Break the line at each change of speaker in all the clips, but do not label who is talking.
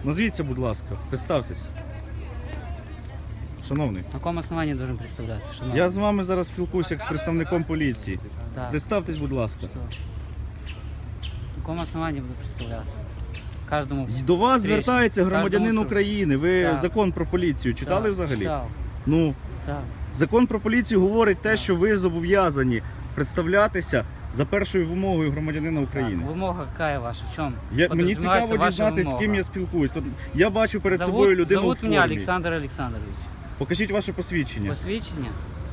Назвіться, будь ласка, представтесь. Шановний.
На каком основании должен представляться? Шановний?
Я з вами зараз спілкуюся як з представником поліції.
Так.
Представтесь, будь ласка.
Что? На каком основании буду представляться? Каждому.
І до вас
встречному,
звертається громадянин
каждому
України. Ви
Так.
закон про поліцію читали
Так,
взагалі?
читав.
Ну,
Так.
закон про поліцію говорить те, що ви зобов'язані представлятися за першою вимогою громадянина України.
Так, вымога какая ваша? В чем?
Мені цікаво дізнатися, з ким я спілкуюсь. От я бачу перед
Зовут,
собою людину у
зовут
формі.
меня Александр Александрович.
Покажіть ваше посвідчення.
Посвідчення?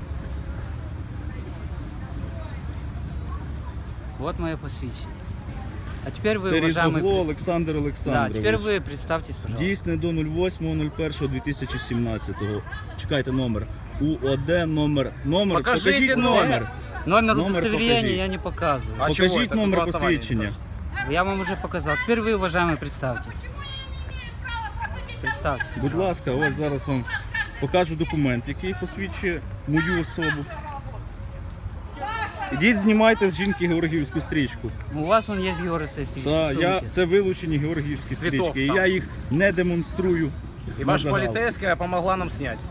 Вот мое посвідчення. А теперь вы,
Терезогло
уважаемый...
Олександр
Да,
Олександрович.
теперь вы представьтесь, пожалуйста.
Дійсне до 08.01.2017. Чекайте номер. УОД номер.
Покажіть
номер.
Номер
Номер
удостоверения
покажіть.
я не показываю.
А чего
Покажіть
это?
номер
Какого основания
посвідчення.
не покажете?
Я вам уже показал. Теперь вы, уважаемый, представьтесь. Представьтесь.
Будь ласка, ось зараз вам покажу документ, який посвідчує мою особу. Ідіть, знімайте з жінки георгіївську стрічку.
У вас он есть георгиевская стрижка.
Так, це вилучені георгіївські
Цвітов
стрічки. І
там.
я їх не демонструю.
И
на
ваша
загал.
полицейская помогла нам снять.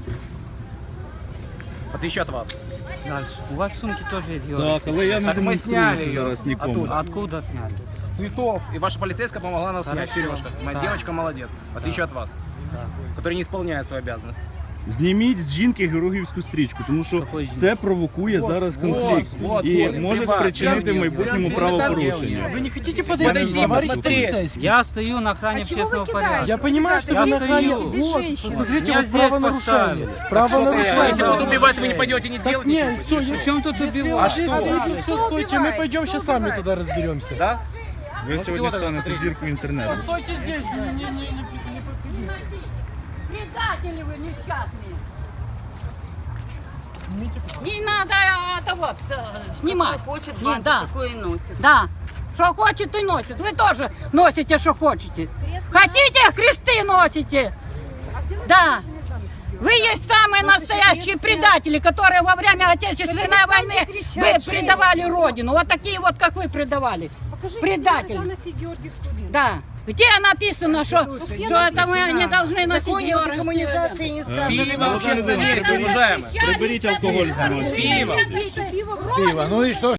В отличие от вас.
Дальше. У вас в сумке тоже есть
Так,
георгиевская.
але я не
Так ми
демонструю
сняли
це
її.
зараз нікому.
Оттуда.
А откуда сняли?
С цветов. И ваша полицейская помогла нам снять.
Хорошо.
Сережка. Моя
Так.
девочка молодец. В отличие от вас.
Так.
Который не исполняет свою обязанность.
Зніміть з жінки георгіївську стрічку, тому що
Какої жінки?
це провокує зараз конфлікт і може спричинити в майбутньому правопорушення.
Вы не хотите
Я не
подойти,
знаю,
товарищ
посмотреть.
полицейский?
Я стою на охране
А чего вы
общественного
кидаете?
порядка.
Я понимаю, что
Я
вы на
стою.
охране.
Здесь
Вот,
женщина.
посмотрите,
Меня
вот
здесь
правонарушение.
поставили.
Правонарушение.
Если будут убивать, вы не пойдете, не
Так
делайте
нет,
ничего.
все,
В чем тут
Если
убивать?
вы
А
здесь
что?
стоите, все,
Кто
стойте, мы
убивает?
пойдем
Кто
сейчас сами
убивает?
туда разберемся.
Да?
Ви
Ну,
сьогодні
всього
станете
смотрите.
зіркою інтернету.
Стойте здесь, не
Предатели вы несчастные.
Снимите,
Не надо это вот снимать.
Кто хочет,
Не,
бантик
да.
такой и носит.
Да. Что хочет и носит. Вы тоже носите, что хотите. Хотите, кресты носите. Да. Вы есть самые настоящие предатели, которые во время Отечественной войны вы предавали Родину. Вот такие вот, как вы предавали. Предатели. Да. Где написано, что это мы не должны
В
носить
законе о
Георгиевскую?
декоммунизации не сказано.
Пиво в общественном месте, уважаемые.
Приберіть алкоголь з
Пиво.
Пиво.
пиво. Ну и что?